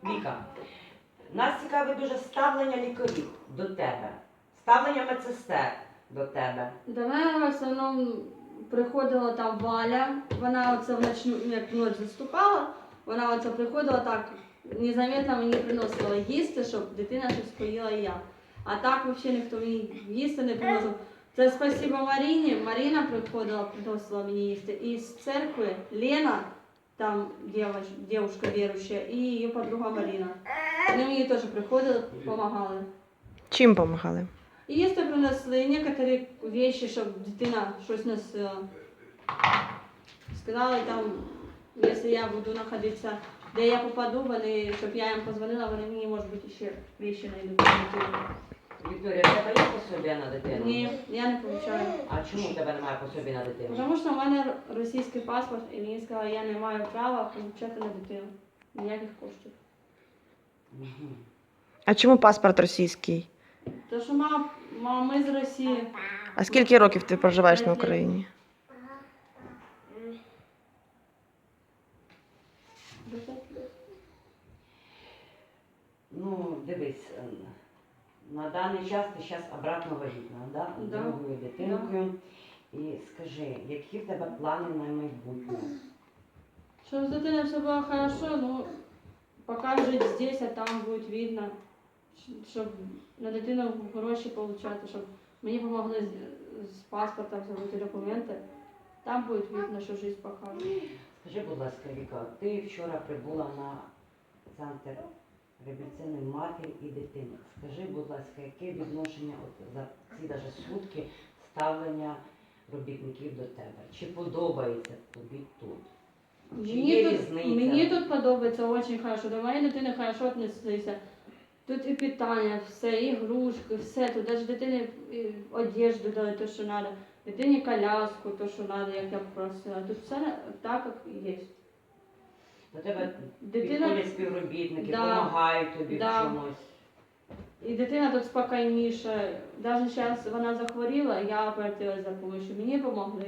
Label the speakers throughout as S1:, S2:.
S1: Віка, нас цікавить дуже ставлення лікарів до тебе, ставлення медсестер до тебе.
S2: До мене в основному приходила там Валя, вона оце вночі, як ночь заступала, вона оце приходила так, незаметно мені приносила їсти, щоб дитина щось поїла і я. А так взагалі ніхто мені їсти не приносив. Це спасибо Маріні, Маріна приходила, приносила мені їсти. І з церкви Лена, там дівчинка віруюча, і її подруга Маріна. Вони мені теж приходили, допомагали.
S3: Чим допомагали?
S2: Їсти принесли, некоторі речі, щоб дитина щось носила. Сказали там, якщо я буду знаходитися, де я попаду, вони, щоб я їм позвонила, вони мені, може бути, ще речі знайдуть.
S1: Вікторія, в тебе є пособія на дитину?
S2: Ні, я не получаю.
S1: А чому в тебе немає пособі на дитину?
S2: Тому що в мене російський паспорт, і мені сказали, я не маю права получати на дитину. Ніяких коштів.
S1: Угу.
S3: А чому паспорт російський?
S2: Тому що мама, ми з Росії.
S3: А скільки років ти проживаєш на Україні?
S1: Ну, дивись, на даний час ти зараз обратно вагітна, да?
S2: Да.
S1: Другою дитинкою. І скажи, які в тебе плани на майбутнє?
S2: Щоб з дитиною все було хорошо, ну, поки жити здесь, а там буде видно, щоб на дитину гроші отримати, щоб мені допомогли з паспортом зробити документи. Там буде видно, що життя покаже.
S1: Скажи, будь ласка, Віка, ти вчора прибула на центр реабілітаційної матері і дитини. Скажи, будь ласка, яке відношення от за ці даже сутки ставлення робітників до тебе? Чи подобається тобі тут? Чи є різниця?
S2: Мені тут подобається дуже хорошо. До моєї дитини хорошо віднеслися. Тут і питання, все, і ігрушки, все. Тут навіть дитині одежду дали, те, що треба. Дитині коляску, то, що треба, як я просила. Тут все так, як є.
S1: До тебе
S2: Дитина-
S1: підходять співробітники,
S2: Да.
S1: допомагають тобі
S2: Да.
S1: в чомусь.
S2: І дитина тут спокійніша. Навіть зараз вона захворіла, я обратилась за допомогою. Мені допомогли.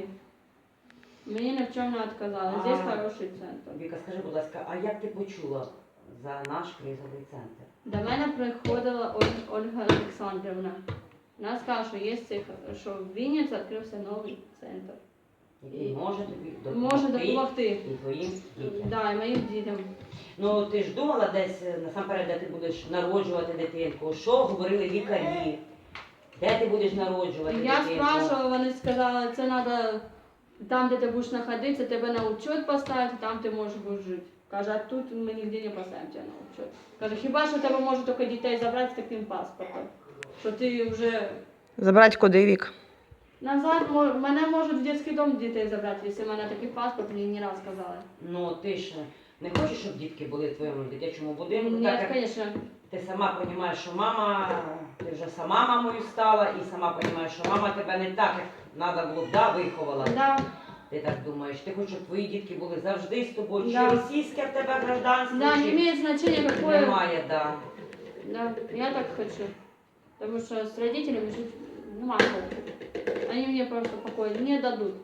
S2: Мені ні в чому не відказали. Здесь хороший центр.
S1: Віка, скажи, будь ласка, а як ти почула за наш кризовий центр?
S2: До мене приходила Ольга Олександрівна. Вона сказала, що є що в Вінниці відкрився новий центр.
S1: Який може тобі
S2: Може допомогти.
S1: і твоїм дітям?
S2: Да, і моїм дітям.
S1: Ну, ти ж думала десь, насамперед, де ти будеш народжувати дитинку? Що говорили лікарі? Де ти будеш народжувати
S2: Я
S1: дитинку?
S2: спрашивала, вони сказали, це треба там, де ти будеш знаходитися, тебе на учет поставити, там ти можеш будеш жити. Каже, а тут ми ніде не поставимо тебе на учет. Каже, хіба що тебе можуть тільки дітей забрати з таким паспортом, що ти вже
S3: Забрати куди, Вік?
S2: назад, мене можуть в дитячий дом дітей забрати, якщо в мене такий паспорт, мені не раз сказали.
S1: Ну, ти ж не хочеш, щоб дітки були в твоєму дитячому будинку?
S2: Ні,
S1: так як
S2: звісно.
S1: ти сама розумієш, що мама, ти вже сама мамою стала, і сама розумієш, що мама тебе не так, як треба було, да, виховала.
S2: Да.
S1: Ти так думаєш, ти хочеш, щоб твої дітки були завжди з тобою,
S2: Да.
S1: чи російське в тебе гражданство,
S2: Да, не
S1: чи
S2: имеет значения какое.
S1: немає, да.
S2: Да, я так хочу. Потому что с родителями жить не могу. Они мне просто покоя не дадут.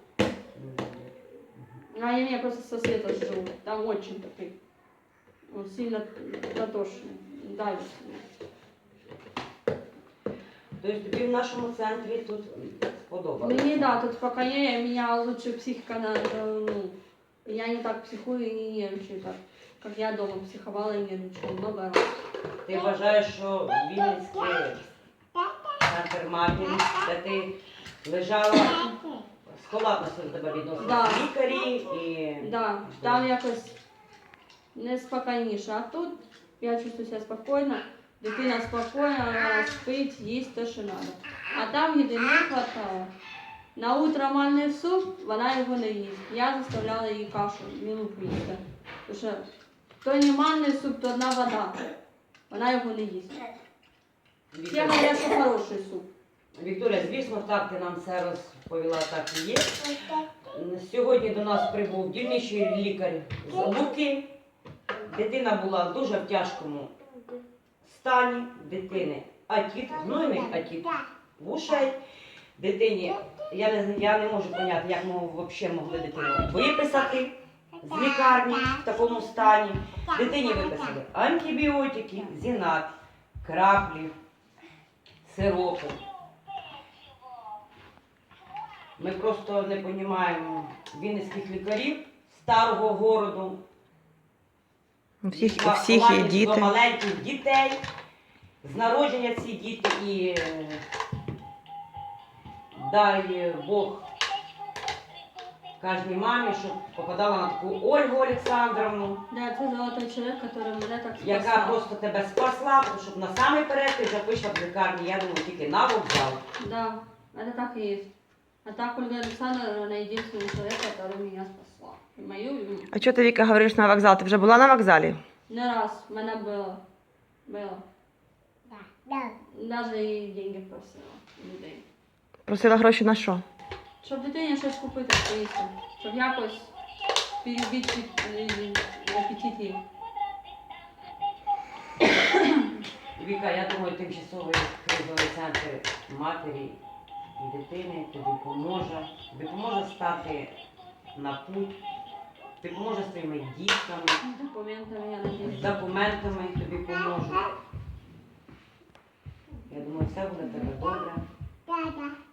S2: А они меня просто со света живут. Там очень такой, он сильно дотошный, давит.
S1: Тобто тобі в нашому центрі тут сподобалося?
S2: Мне да, тут спокойнее, меня лучше психика, ну, я не так психую и не нервничаю так, как я дома психовала и нервничала много раз.
S1: Ти вважаєш, що Вінницький центр матері, де ти лежала, халатно до тебе відносилися
S2: Да.
S1: лікарі і...
S2: Да, там якось неспокійніше. А тут я чувствую себе спокійно, дитина спокійна, вона спить, їсть те, що треба. А там їди не вистачало. На утро манний суп, вона його не їсть. Я заставляла їй кашу, мілку їсти. Тому що то не манний суп, то одна вода. Вона його не їсть. Я говорю, що хороший суп.
S1: Вікторія, звісно, так ти нам все розповіла, так і є. Сьогодні до нас прибув дільничий лікар з Луки. Дитина була дуже в тяжкому стані. Дитини атіт, гнойний атіт вушей. Дитині, я не можу зрозуміти, як ми взагалі могли дитину виписати. з лікарні в такому стані. Дитині виписали антибіотики, зінат, краплі, сиропи. Ми просто не розуміємо вінницьких лікарів старого городу.
S3: У всіх є
S1: Ховатись до
S3: діти.
S1: маленьких дітей, з народження ці діти і дай Бог кожній мамі, щоб попадала на таку Ольгу Олександровну,
S2: Да, це золотой чоловік, який мене так
S1: яка
S2: спасав.
S1: просто тебе спасла, тому щоб насамперед ти вже вийшла в лікарні, я думаю, тільки на вокзал.
S2: Да, это так и есть. А так Ольга Александровна, она единственный человек, который меня спасла. И мою,
S3: А чого ти, Віка, говориш на вокзал? Ти вже була на вокзалі?
S2: не раз в мене було. Даже і деньги просила у людей.
S3: Просила гроші на що?
S2: Щоб дитині щось купити поїсти. Щоб якось перебити апетит їй.
S1: Віка, я думаю, тимчасовий кризовий центр матері і дитини тобі допоможе стати на путь, допоможе з твоїми дітками,
S2: Документами, я надіюсь.
S1: з документами тобі поможе. Я думаю, все буде в тебе добре.